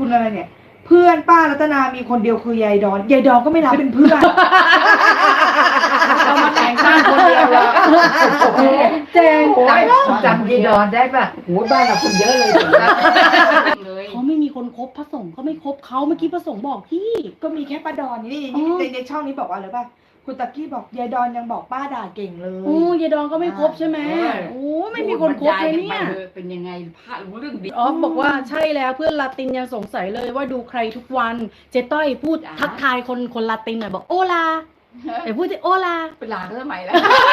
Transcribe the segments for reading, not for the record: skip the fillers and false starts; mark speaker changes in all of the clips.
Speaker 1: คุณอะไรเนี่ยเพื่อนป้ารัตนามีคนเดียวคือยายดอนยายดอนก็ไม่รับเป็นเพื่อน
Speaker 2: เรามาแต่งบ้านคนเดียวละ
Speaker 1: เจง
Speaker 2: จำยายดอนได้ป่ะโหบ้านเราคนเยอะเลย
Speaker 3: เขาไม่มีคนคบพระสงฆ์ก็ไม่คบเขาเมื่อกี้พระสงฆ์บอกพี่
Speaker 1: ก็มีแค่ป้าดอนนี่ในช่องนี้บอกว่าอะไรป่ะคุณตะกี้บอกยายดอนยังบอกป้าด่าเก่งเลย
Speaker 3: โอ้ยายดอนก็ไม่คบใช่ไหมโอ้ไม่มีคนคบเลยเนี่ย
Speaker 2: เป็นยังไงพระรู้เรื่องดี
Speaker 3: อ๋อบอกว่าใช่แล้วเพื่อนลาตินยังสงสัยเลยว่าดูใครทุกวันเจ๊ต้อยพูดทักทายคนลาตินหน่อยบอกโอลาแต่พูดสิโอลา
Speaker 2: เป็นหลานสมัยแล้ว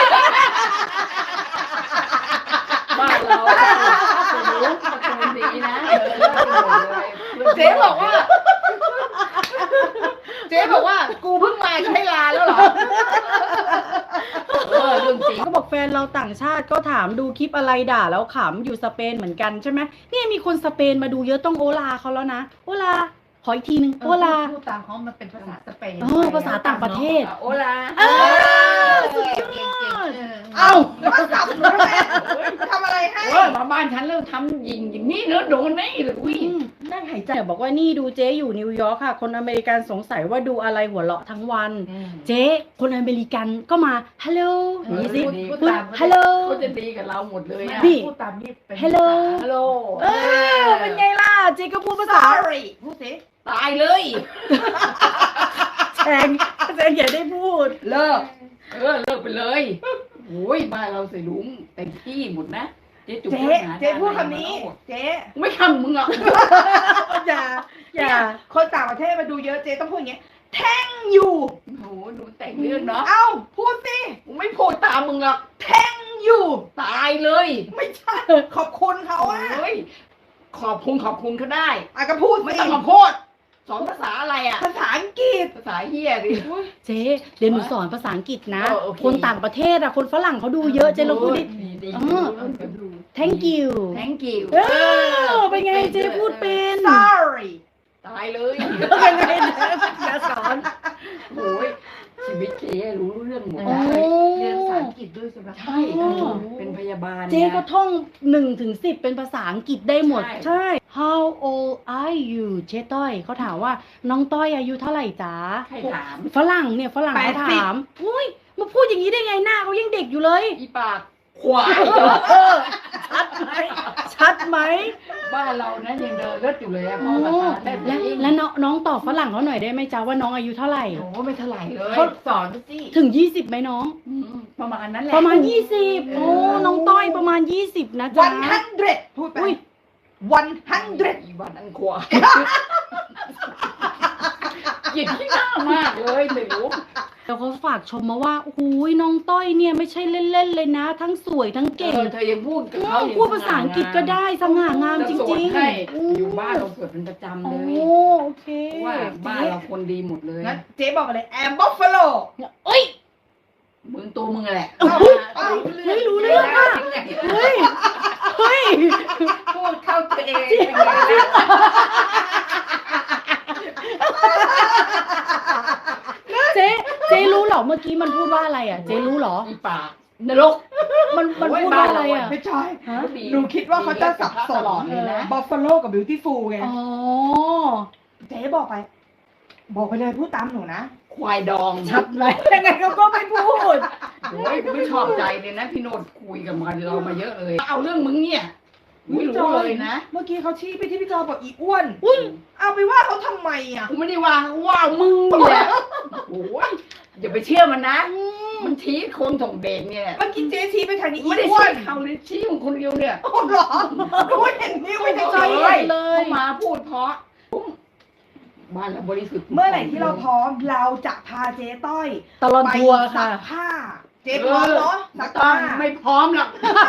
Speaker 2: บ้านเรารู้ประตูดีนะ
Speaker 1: เจ๊บอกว่ากูเพิ่งมาใช้ลาแล้วเหรอ
Speaker 3: เรื่องจริงก็บอกแฟนเราต่างชาติก็ถามดูคลิปอะไรด่าแล้วขำอยู่สเปนเหมือนกันใช่ไหมเนี่ยมีคนสเปนมาดูเยอะต้องโอลาเขาแล้วนะโอลาขออีกทีนึงโอลา
Speaker 2: พูดตามเขามันเป็นภาษาสเปน
Speaker 3: ภาษาต่างประเทศ
Speaker 2: โอลา
Speaker 3: สุดยอด
Speaker 1: แล้วก็กลับมาทำอะไรให้
Speaker 2: มาบ้านฉันแล้วทำยิงอย่างนี้เนื้อโดนไหมเลยอุ้ย
Speaker 3: นั่งหายใจบอกว่านี่ดูเจ๊อยู่นิวยอร์กค่ะคนอเมริกันสงสัยว่าดูอะไรหัวเราะทั้งวันเจ๊คนอเมริกันก็มาฮัลโหลนี่สิพูดฮัลโหล
Speaker 2: เขาจะดีกับเราหมดเลย
Speaker 3: พี่
Speaker 2: พูดตามนี่เป็น
Speaker 3: ฮัลโหล
Speaker 2: ฮัลโหล
Speaker 3: เป็นไงล่ะเจ๊ก็พูดภาษา
Speaker 1: พูดสิ
Speaker 2: ตายเลย
Speaker 3: แจงอย่าได้พูด
Speaker 2: เลิกเลิกไปเลยโอ้ยบ้านเราใส่ลุงเต็มที่หมดนะ
Speaker 1: เจ๊พูดคำนี้เจ๊
Speaker 2: ไม่คำมึงอ่ะ
Speaker 1: อย่าคนต่างประเทศมาดูเยอะเจ๊ต้องพูดอย่างเงี้ยแท่งอยู่
Speaker 2: โหหนูแต่งเรื่องเนาะ
Speaker 1: เอ้าพูดสิ
Speaker 2: ไม่พูดตามมึงหรอก
Speaker 1: แท่งอยู่
Speaker 2: ตายเลย
Speaker 1: ไม่ใช่ขอบคุณเขาอ่ะ
Speaker 2: ขอบคุณเขาได้
Speaker 1: ก็พูด
Speaker 2: ไม่ต้องมาพูดสอนภาษาอะไรอ่ะ
Speaker 1: ภาษาอังกฤษ
Speaker 2: ภาษาเฮียดิ
Speaker 3: เจ๊เดี๋ยวหนูสอนภาษาอังกฤษนะคนต่างประเทศอะคนฝรั่งเขาดูเยอะเจ๊ลองพูดดิthank you เป็นไงเจ๊พูดเป็น
Speaker 1: sorry
Speaker 2: ตายเลย
Speaker 3: เป็นไงอย่าสอน
Speaker 2: โอ้ยชีวิตเจ๊รู้เรื่องหมดเรียนภาษาอังกฤษด้วยใช่ไหมใช่เป็นพยาบาล
Speaker 3: เจ๊ก็ท่อง1 ถึง 10เป็นภาษาอังกฤษได้หมดใช่ How old are you เจ๊ต้อยเขาถามว่าน้องต้อยอายุเท่าไหร่จ๊ะ
Speaker 2: ใครถาม
Speaker 3: ฝรั่งเขาถามอุ้ยมาพูดอย่างนี้ได้ไงหน้าเขายังเด็กอยู่เลย
Speaker 2: อีปากควาย
Speaker 3: ชัดไหม
Speaker 2: บ้านเรานะยังเดินรถอยู่เลยพ่อภาษาได้
Speaker 3: แล้วน้องตอบฝรั่งเขาหน่อยได้ไหมจ๊ะว่าน้องอายุเท่าไหร่
Speaker 2: โอ้ไม่เท่าไหร่เลยสอนสิ
Speaker 3: ถึง20ไหมน้อง
Speaker 2: ประมาณนั้นแหละ
Speaker 3: ประมาณ20โอ้น้องต้อยประมาณ20นะจ๊ะ
Speaker 1: 100พูดไป100
Speaker 2: วันอันควายหยิบที่หน้ามากเลยไม่รู้
Speaker 3: แล้วเขาฝากชมมาว่าโอ้ยน้องต้อยเนี่ยไม่ใช่เล่นๆเลยนะทั้งสวยทั้งเก่ง
Speaker 2: เธอยังพูดกับเขา
Speaker 3: พูดภาษาอังกฤษก็ได้สง่างามจริง
Speaker 2: ๆอยู่บ้านเราสวดเป็นประจำเลย
Speaker 3: โอเค
Speaker 2: ว่าบ้านเราคนดีหมดเลย
Speaker 1: งั้นเจ๊บอกเลยแอมบัฟฟาโล
Speaker 3: เอ้ย
Speaker 2: มึงตัวมึงแหละ
Speaker 3: ไม่รู้เรื่องอ่ะเฮ้ย
Speaker 2: พูดเข้าตัวเอง
Speaker 3: เจ๊รู้เหรอเมื่อกี้มันพูดว่าอะไรอ่ะเจ๊รู้เหรอ
Speaker 2: อีปากนรก
Speaker 3: มันพูดว่าอะไรอ่ะ
Speaker 1: ไม่ใช่หนูคิดว่าเขาจะสับสนเลยนะบัฟฟาโลกับบิวตี้ฟูลไง
Speaker 3: อ๋อ
Speaker 1: เจ๊บอกไปเลยพูดตามหนูนะ
Speaker 2: ควายดอง
Speaker 3: ชัดไหมยังไงเขาก็ไม่พูด
Speaker 2: โอ้ยไม่ชอบใจเลยนะพี่โนดคุยกับเรามาเยอะเลยเอาเรื่องมึงเนี่ยไม่รู้เลยนะ
Speaker 1: เมื่อกี้เขาชี้ไปที่พี่จอบอกอีอ้วนเอาไปว่าเขาทำไมอ่ะ
Speaker 2: กูไม่ได้ว่ามึงแหละโอ้ยอย่าไปเชื่อมันนะมันชี้คนส่งเด็กเนี่ย
Speaker 1: เมื่อกี้เจ๊ชี้ไปทางนี้
Speaker 2: ไม่ได้ชี้เขาเลยชี้ของคนเดียวเนี่ย
Speaker 1: โอ้หรอดูเห็นนิ้วไม่ได้
Speaker 2: เลยมาพูดเพราะบ้านเราบริสุทธิ์
Speaker 1: เมื่อไหร่ที่เราพร้อมเราจะพาเจ๊ต้อย
Speaker 3: ตลอดทัวร์ค่ะ
Speaker 1: ผ้าเจ๊พร้อมเนาะ
Speaker 2: สักผ้าไม่พร้อมหรอก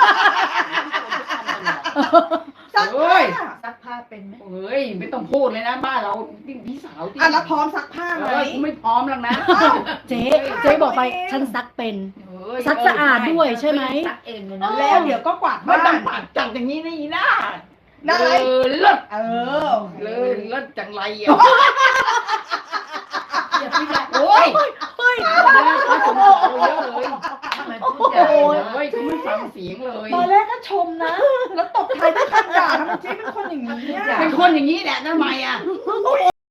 Speaker 1: ซักผ้า
Speaker 2: เป็นไหมเฮ้ยไม่ต้องพูดเลยนะบ้านเราพี่สาวที่
Speaker 1: แล้วพร้อมซักผ้าไหม
Speaker 2: ไม่พร้อมหรอกนะ
Speaker 3: เจ๊บอกไปฉันซักเป็นซักสะอาดด้วยใช่ไหม
Speaker 2: ซักเองเลย
Speaker 1: นะแล้วเดี๋ยวก็กวาดบ้าน
Speaker 2: ไม่ต้องกวาดจังอย่างนี้นี่นะ
Speaker 1: เลิศ
Speaker 2: เลิศจังไรอ่ะโอ้ยพระสงฆ์เยอะเลยทำไมพูดใหญ่อ้ยเขาไม่ฟังเสียงเลย
Speaker 1: ตอนแรกก็ชมนะ แล้วตบท้ายด้วยคำด่าทำไมเจ๊เป็นคนอย่างนี้อะ
Speaker 2: เป็นคนอย่างนี้แหละทำไมอ่ะ